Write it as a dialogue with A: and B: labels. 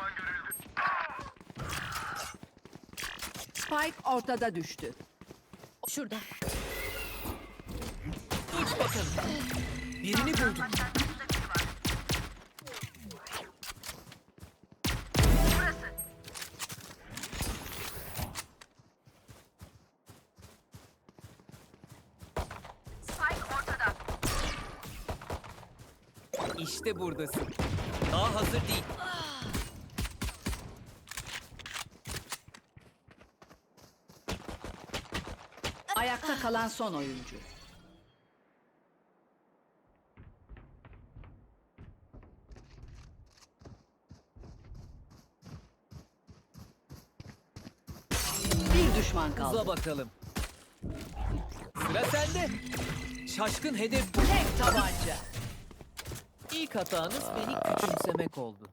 A: Spike ortada düştü.
B: Şurada.
C: Uç bakalım. Birini buldum. İşte buradasın. Daha hazır değil.
A: Ayakta kalan son oyuncu. Bir düşman kaldı.
C: Uza bakalım. Sıra sende. Şaşkın hedef bu.
A: Tek tabanca.
C: İlk hatanız beni küçümsemek oldu.